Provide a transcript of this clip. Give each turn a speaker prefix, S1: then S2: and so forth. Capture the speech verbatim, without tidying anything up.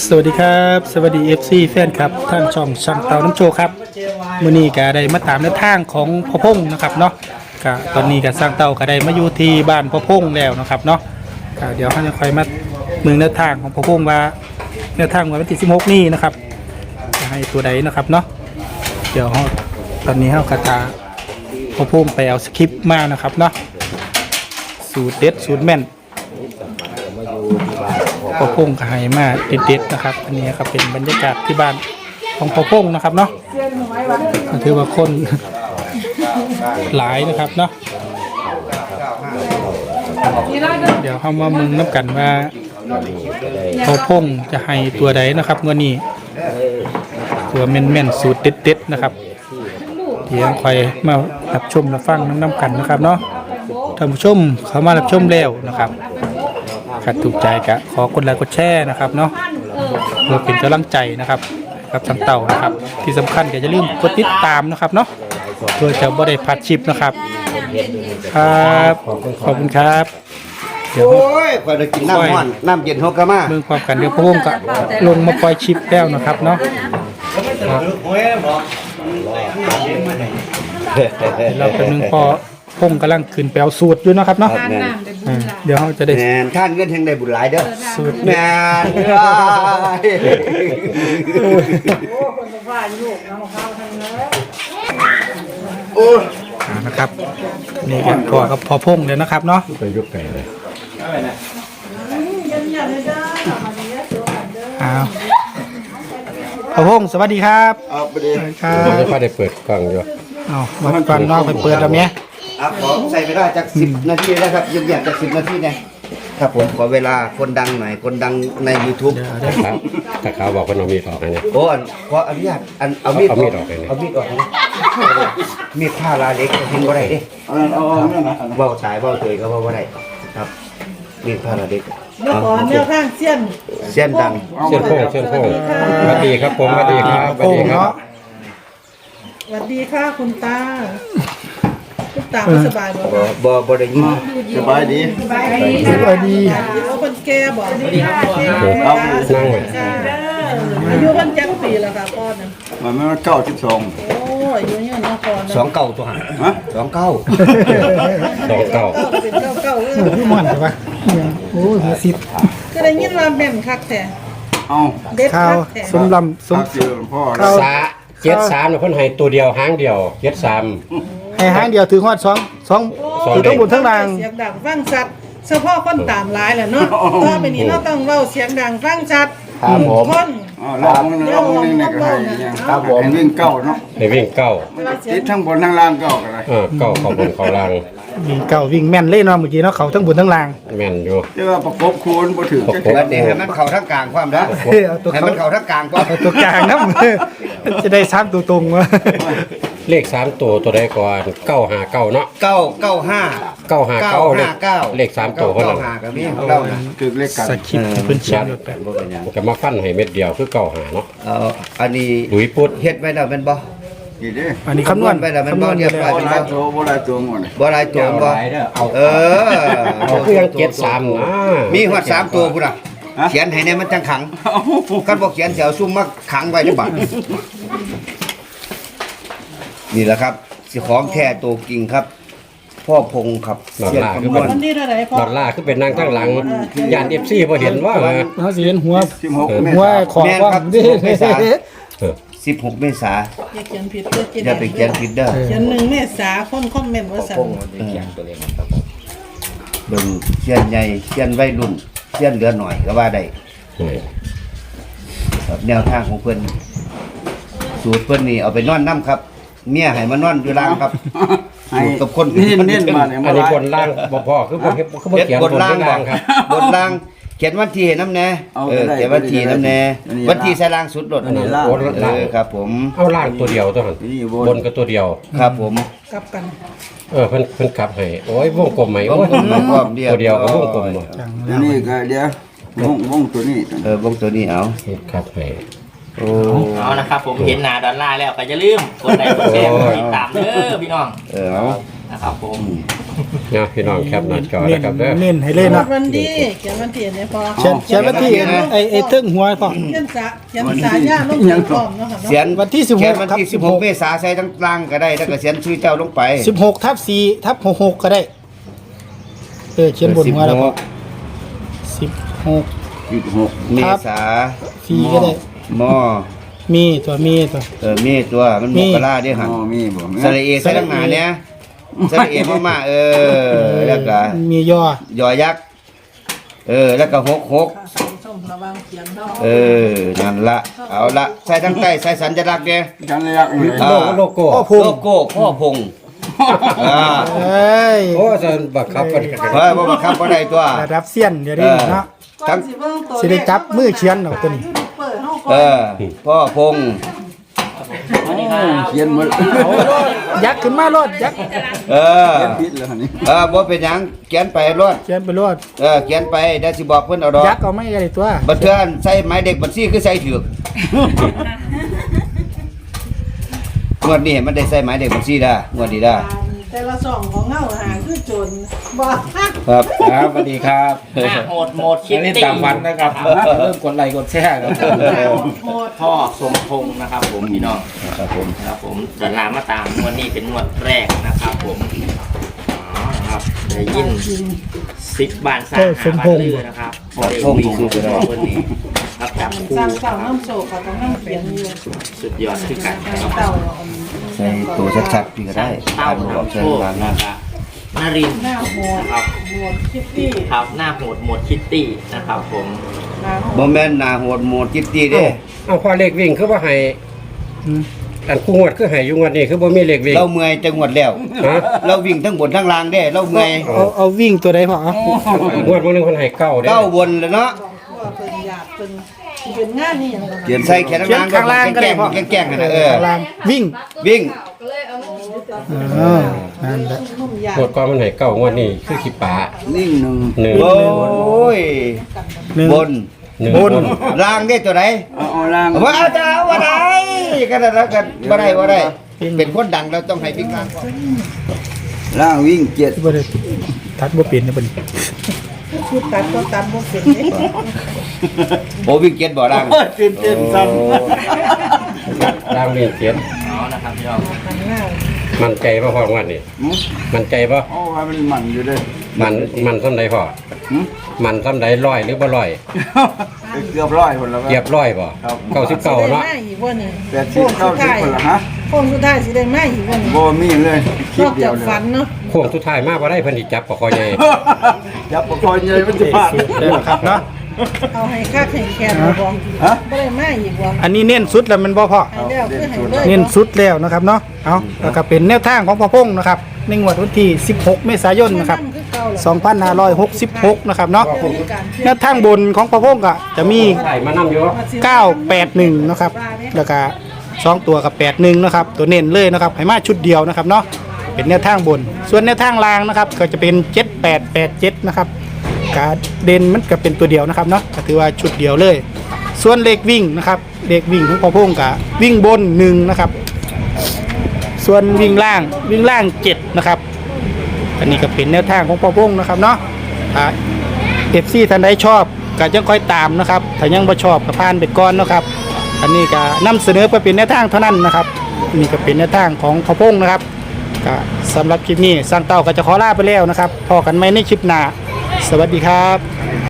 S1: สวัสดีครับสวัสดี เอฟ ซี แฟนครับท่านช่องช่างเตาน้ำโชว์ครับมื้อนี้ก็ได้มาตามในทางของพ่อพงนะครับเนาะก็ตอนนี้ก็สร้างเตาก็ได้มาอยู่ที่บ้านพ่อพงแล้วนะครับเนาะก็เดี๋ยวเขาจะคอยมาเมืองแนวทางของพ่อพงว่าแนวทางวันที่สิบหกนี้นะครับจะให้ตัวใดนะครับเนาะเดี๋ยวเราตอนนี้เรากระตาพ่อพงไปเอาสคริปต์มานะครับเนาะสูตรเด็ดสูตรแม่นพ่อพงก็ให้มาเด็ดๆนะครับอันนี้ครับเป็นบรรยากาศที่บ้านของพ่อพงนะครับเนาะถือว่าคนหลายนะครับเนาะเดี๋ยวเข้ามามึงนับกันว่าพ่อพงจะให้ตัวใดนะครับวันนี้ตัวแม่นๆสูตรเด็ดๆนะครับเดี๋ยวคอยมารับชมรับฟังน้ำกันนะครับเนาะท่านผู้ชมเขามารับชมแล้วนะครับขัดถูกใจกะขอกดไลค์กดแชร์นะครับเนาะเพื่อเป็นกำลังใจนะครับกับทางเต่านะครับที่สำคัญก็อย่าลืมกดติดตามนะครับเนาะเพื่อจะบ่ได้พลาดคลิปนะครับครับขอบคุณครับเดี๋ยว
S2: โอ้ยคอยได้กินน้ำร้อนน้ำเย็นฮอกกะมา
S1: เมืองความกันเดี๋ยวพ่อพงก็ลงมาปล่อยคลิปแล้วนะครับเนาะเราเป็นหนึ่งพอพงกำลังขึ้นแปลวสูตรอยู่นะครับเนาะเดี๋ยวเราจะได้
S2: แมนท่านเงินแห่งได้บุญหลายเด้อ
S1: สูตร
S2: แมนโอ้
S1: นะครับนี่ก็พอกับพอพงเลยนะครับเนาะ
S3: ไปยกไก่เลย
S1: อ้าวพอพงสวัสดีครับ
S2: เอาไปดิ
S1: ครับ
S3: ไม่ค่อยได้เปิดกล้องอยู่
S1: อ๋อมาฟังนอกไปเปิดแล้วเนี้ย
S2: อ่ะขอใส่ไปได้จากสิบนาทีนะครับยืมๆจากสิบนาทีนะครับผมขอเวลาคนดังหน่อยคนดังใน YouTube
S3: ครับถ้าเขาบอกว่าน้องมีดออกนะ
S2: โอ้อันขออนุญาตอันเอามีด
S3: เอามีดออกเลยนะ
S2: เอามีดออกนะมีดผ้าลาเล็กทิ้งบ่ได้เด้เอาเบาตายเบาเตยก็เบาบ่ได้ครับมีดผ้าลาเล็ก
S4: เมื่อก่อนแนวข้างเสี้ยน
S2: เส้นดัง
S3: เส้นโค้งเส้นโค้งสวัสดีครับผมสวัสดีครับสวัสดีครับ
S4: สวัสดีค่ะคุณตาคุณตาไม่สบายบ่
S2: บ่บ่บ่ได้ยินสบายดี
S4: สบายดี
S1: สวัสดี
S4: เอาคนแก่บ่สวัสดีครับ
S3: นั่งเลย
S4: อายุคนจักปีแล้วค่ะพ่อนะ
S5: มันไม่เก้าสิบสอง
S4: โอ้อายุเนี่ยนะพ่อนะ
S2: สองเก้าตัวหา
S5: ฮะ
S2: สองเก้า
S3: สองเก้า
S4: เก้าเป็นเก้าเก้าเออ
S1: พี่มันใช่ปะโอ้ยสิบ
S4: ก็ได้ยินว่าแม่นคักแท้
S5: เอา
S4: เด็ด
S1: ข้า
S4: คั
S1: ว
S4: กแท้
S1: สมลำสม
S5: ทักสิพ่อ
S1: ข้าว
S3: สาเจ็ดสามเนี่ยคนให้ตัวเดียวหางเดียวเจ็ดสาม
S1: ให้หางเดียวถือหอดสองสอง
S3: สอง
S1: ถือ
S3: เด็
S1: ทั้
S3: ก
S1: งบนทั้งล่าง
S4: เสียงดังฟังชัดเฉพาะคนตามหลายแหละเนาะต่อไปนี้เราต้องเว้าเสียงดังฟังชัด
S2: ครับผม
S4: คน
S5: อ๋อลองมึงลองมึงนี่ก็ให้ยัง
S2: ครับผม
S5: ให้วิ่งเก้าเนาะ
S3: ในวิ่งเก้า
S5: ติดทั้งบนทั้งล่างเก้ากันเลย
S3: เออเก้าเขาบนเขาล่าง
S1: วิ่งเก่าวิ่งแม่นเล่นเนาะเมื่อกี้เนาะเขาทั้งบนทั้งล่าง
S3: แม่นอยู่
S5: แต่ว่าประกบคูณบ่ถึงจะ
S2: แล้วนี่ให้มันเข้าทั้งกลางความนะ
S1: เฮ้ยเอาตัว
S2: ให้
S1: เขา
S2: มันเข้าทั้งกลางความ
S1: เอาตัวกลางนะมันจะได้ซ้ำตัวตรงวะ
S3: เลขสามตัวตัวใดก่อนเก้าหาเก้าเนาะ
S2: เก้าเก้าห้า
S3: เก้าหา
S2: เก้า
S3: เก้าเล
S2: ห้า
S3: ข
S2: เก้า
S3: เลขสามตัวคน
S2: เก้า
S3: นั้น
S2: ห้ากับมีของเรานะ
S5: ถึงเลขกัน
S1: สคริปต์เพิ่นเขียนแบบ
S2: บ่เป็นหยัง
S3: ก็มาฟันให้เม็ดเดียวคือเก้าหาเนาะ
S2: เอ่ออันนี้
S3: หลุยปุ๊ด
S2: เฮ็ดไว้แล้วแม่นบ่
S5: กี่เด้
S1: อันนี้คำนวณ
S2: ไปแล้วแม่น
S1: คำน
S2: บ่
S1: วณ
S2: เรียบร้อย
S5: บ่หลายตัวบ่หลายตัวหมดเลย
S2: บ่หลายตัวบ่เออ
S3: เอาคือยังเจ็ดสามนะ
S2: มีฮอดสามตัวพุ่นน่ะเขียนให้แน่มันจังขังคันบ่เขียนสิเอาซุ่มมาขังไว้ในบัตรนี่แหละครับสิของแท้ตัวจริงครับ พ่อพงครับเสียงคำนวณ
S4: วันที่เท่าไหร่พ่อ
S3: ดอลลาร์คือเป็นนางข้างหลังยานเอฟซีพอเห็นว่า
S1: เขาสิเห็นหัว
S5: สิบหกเม
S1: หัว
S5: ษา
S1: ของว่าดิ
S2: สิบหกเมษา
S4: อย่าเขียนผิดเด้อจิ
S2: อย่าไปเขียนผิดเด้อ
S4: เขียนหนึ่งเมษาคนคอมเมนต์ว่าสั่น
S2: เบิ่งเสียนใหญ่เสียนวัยรุ่นเสียนเหลือหน่อยก็ว่าได้ครับแนวทางของเพิ่นสูตรเพิ่นนี่เอาไปนอนน้ำครับเมียให้มานอนอยู่ล่างครับ
S5: ให้
S2: สูตรกับคน
S5: นี่เน้นมาเนี่ย
S3: อันนี้บนล่างบ่พอคือบ่เฮ็ดคือบ่
S2: เฮ็ด
S3: เขียน
S2: บบ น
S3: น
S2: ล่าง
S3: ล่างครับ
S2: บนล่างเขียนวันที่ให้น้ำแน่เออเขียนวันที่น้ำแน่วันที่ใส่ล่างสุดรถ
S3: อันนี้
S2: เอ
S3: ล่าง
S2: อครับผม
S3: เอาล่างตัวเดียวตัวนั้น
S5: นี่
S3: บนก็ตัวเดียว
S2: ครับผม
S4: กลับกัน
S3: เออเพิ่นเพิ่นกลับให้โอ้ยวงกลมไหมโอ้ย
S2: พร้อมเดียว
S3: ตัวเดียวกับวงกลมบ่
S5: อันนี้ก็เดี๋ยววงวงตัวนี้
S2: เออวงตัวนี้เอา
S3: ครับให้
S2: โอ้
S6: เอานะครับผมเห็นหน้าดอลลาร์แล้วก็อย่าลืมกดไลค์กดแชร์กดติดตามเด้อพี่น้อง
S2: เออเอา
S6: นะครับผม
S3: นะพี่น้องแคปหน้าจอ
S1: เน้
S3: นะ
S1: น
S3: ครับเด้อ
S1: เน้นให้เลยเนาะ
S4: วันดีเขียนวันที่เนี่ยพอ
S1: เขียนเขียนวันที่ไอ้ไอ้เทิงหัวพ่อ
S4: เขียนสะเขียนสายาลงถึงพร้อมเนาะค่ะ
S2: เสีย
S4: เนาะ
S2: น
S1: วันที่สิบหก
S2: เขียนวันที่
S1: ครับ
S2: สิบหกเมษาใส่ทั้งกลางก็ได้แล้วก็เขียนชื่อเจ้าลงไป
S1: สิบหกทับสี่ทับหกหกก็ได้เออเขียนบนหัวแล้วก็สิบหก
S5: สิบหก
S2: เมษา
S1: สี่ก็ได้
S2: มอ
S1: มีตัวมีตัว
S2: เออเมตัวมันมกราเด้อ
S5: อ๋
S2: หั่น
S5: อมีบ่
S2: สระเอใส่ทั้งหน้าเนี่ยสระเอมามาเออแล้วก็
S1: มีย่อย
S2: อยักษ์เออแล้วก็หกหก
S4: ส้มระวังเขียนเนาะ
S2: เออนั่นละเอาละใส่ทั้งใต้ใส่สัญลักษณ์เนี่ย
S5: กันระยะนี่
S2: อ่า
S3: โลโก้
S1: พ่อพง
S2: โลโก้พ่อพงอ่า
S1: เอ้ย
S3: โอ้จะบังคับกัน
S2: เฮ้ยบ่บังคับบ่ได้ตัว
S1: ระดับเซียนเดี๋ยวนี้เนาะ
S2: ทั้ง
S1: สิได้จับมือเขียนเอาตัวนี้
S4: เปิดห้อง
S2: เออพ่อพง
S5: เขียนหมด
S1: เอาโลดยักษ์ขึ้นมาโลดยักษ์
S2: เออ
S5: ผิดแล้วนี่
S2: เออบ่เป็นหยังเขียนไปรอด
S1: เขียนไปโลด
S2: เออเขียนไปเดี๋ยวสิบอกเพิ่นเอาดอก
S1: ยักษ์เอาไม่อะไรตัว
S2: บัดเทื่อนใส่หมายเด็กบัญชีคือใส่ถูกงวดนี้มันได้ใส่หมายเด็กบัญชีได้งวดนี้ได้
S4: แต่ละสองของเงาหาคือจนบ่
S2: ครับ
S3: ครับสวัสดีครับ
S6: หน้าโหดโหมดคิ
S3: อั
S6: ด
S3: นนี้
S6: ตี้
S3: ตามวันนะครับเริ่มกดไลค์กดแชร์ครับ
S4: โหด
S6: พ่อสมพงษ์นะครับผมพี่น้อง
S2: ครับผม
S6: ครับผมดอลลาร์มาตามงวดนี้เป็นงวดแรกนะครับผมอ๋อครับได้ยินสิบบานสามหาบานลือนะครับพอได้วิ่งคือกันวันนี้ครับจับ
S4: มัน
S6: คู่
S4: สร้าง
S6: ค
S4: เต่า
S6: รับ
S4: น้ำโศกกับน้ำเขียนอยู่
S6: สุดยอดคือกันนะครับ
S4: เต่า
S2: ใส่ตัวชัดๆพี่ก็ได้
S6: เต้า
S2: อ่านบ่ออก
S6: นำโช
S2: เชิญ
S6: ค
S2: วางห
S6: นะ
S2: น้า
S6: ครับนารินทร์
S4: หน้าโหด
S6: ครับ
S4: โหดคิตตี้
S6: ครับหน้าโหดโหมดคิตตี้นะครับผม
S4: หน้าโห
S2: บ่
S4: ด
S2: แม่นหน้าโหดโหมดจิตตี้เด้
S3: เอาพอเลขวิ่งคือว่าให้
S1: อืม
S3: อันคู่งวดคือให้อยู่งวดนี้คือบ่มีเลขวิ่ง
S2: เราเมื่อยจังหวัดแล้ว
S3: ฮะ
S2: เราวิ่งทั้งบนทั้งล่างเด้เราเมื่อย
S1: เอาเอาวิ่งตัวใดพ่อเอา
S3: งวดมื้อนึงเพิ่นให้เก้าเด้
S2: เก้าบนแล้วเนาะ
S4: ว่าเป็นหยาบเป็นเป็นงานนี่อย่างนั้น
S2: เขียนใส่แขน
S1: เขียนข้างล่างก็ได้พ่อ
S2: แกล้งๆแกล้งๆกันนะเออ
S1: ข้างล่างวิ่ง
S2: วิ่ง
S1: เออนั่นแหละ
S4: นุ่มหยาบ
S3: งวดก่อนมันให้เก้างวดนี้คือขี้ปลา
S5: นิ่งหนึ่ง
S3: หนึ่ง
S2: โอ้ย
S1: หนึ่ง
S2: บน
S3: หนึ่ง
S1: บน
S2: ล่างได้ตัวไหน
S5: เอาเอาล่าง
S2: ว่าเอาจะเอาว่าได้กันแล้วกันว่าได้ว่าได้ เป็นคนดังเราต้องให้วิ่งล่างก่อน
S5: ล่างวิ่งเจ็ด
S1: บ่ได้ทัดบ่เป็นนะเพิ่น
S4: คือตัดก็ตัดบ่เป็นเด้
S2: โอ้วิ่งเก็ตบ่ล่าง
S5: เต้นเต้นสั่น
S3: ล่างเรียนเขียน
S6: เอานะครับพี่น้อง
S4: มันง่าย
S3: มั่นใจบ่พองวดนี้มั่นใจบ่
S5: โอ้ว่ามันมันอยู่เลย
S3: มันมันซ้ำใดพอ
S5: หืม
S3: มันซ้ำใดร้อยหรือบ่ร้อย
S5: เกือบร้อยคนแล้ว
S3: เกียบร้อยบ่
S5: ครับ
S3: เก้าสิบเก้าเนาะ
S4: สิได้มาอีกว่านี่
S5: แปดสิบเก้าสิบคนละฮะ
S4: โค้งสุดท้ายสิได้มาอีกว่านี่
S5: โบมีเลยคลิ
S4: น
S5: ป
S4: อก
S5: เดีย
S4: จาว ก
S5: เลย
S4: ฝันเนาะ
S3: โค้งสุดท้ายมาบ่ได้เพิ่นสิจับปะคอใหญ่
S5: ยับประคอยเงยมันจะพลาด
S1: เด้อครับเนาะ
S4: เอาให้คักให้แคนบ่บ่
S5: ฮะ
S4: บ่ได้มาอีกว่า
S1: อันนี้เน้นสุดแล้วมันบ่พ่อ
S4: ให้แล้วคือให้เลย
S1: เน้นสุดแล้วนะครับเนาะเอาแล้วก็เป็นแนวทางของพ่อพงษ์นะครับในงวดวันที่สิบหกเมษายนนะครับสองพันห้าร้อยหกสิบหกนะครับเนาะแนวทางบนของพ่อพงษ์ก็จะมี
S3: ใส่มานำอยู่
S1: เก้าแปดหนึ่งนะครับแล้วก็สองตัวกับแปดหนึ่งนะครับตัวเน้นเลยนะครับให้มาชุดเดียวนะครับเนาะเป็นแนวทางบน ส่วนแนวทางล่างนะครับก็จะเป็นเจ็ดแปดแปดเจ็ดนะครับการเด่นมันก็เป็นตัวเดียวนะครับเนาะก็ถือว่าชุดเดียวเลย ส่วนเลขวิ่งนะครับเลขวิ่งของพ่อพงษ์ก็วิ่งบนหนึ่งนะครับส่วนวิ่งล่างวิ่งล่างเจ็ดนะครับอันนี้ก็เป็นแนวทางของพ่อพงษ์นะครับเนาะถ้าเอฟซีท่านใดชอบก็ยังค่อยตามนะครับถ้ายังบ่ชอบก็ผ่านไปก่อนนะครับ อันนี้ก็นำเสนอเพื่อเป็นแนวทางเท่านั้นนะครับอันนี่ก็เป็นแนวทางของพ่อพงษ์นะครับก็สำหรับคลิปนี้สร้างเต้าก็จะขอลาไปแล้วนะครับพอกันไหมในคลิปหน้าสวัสดีครับ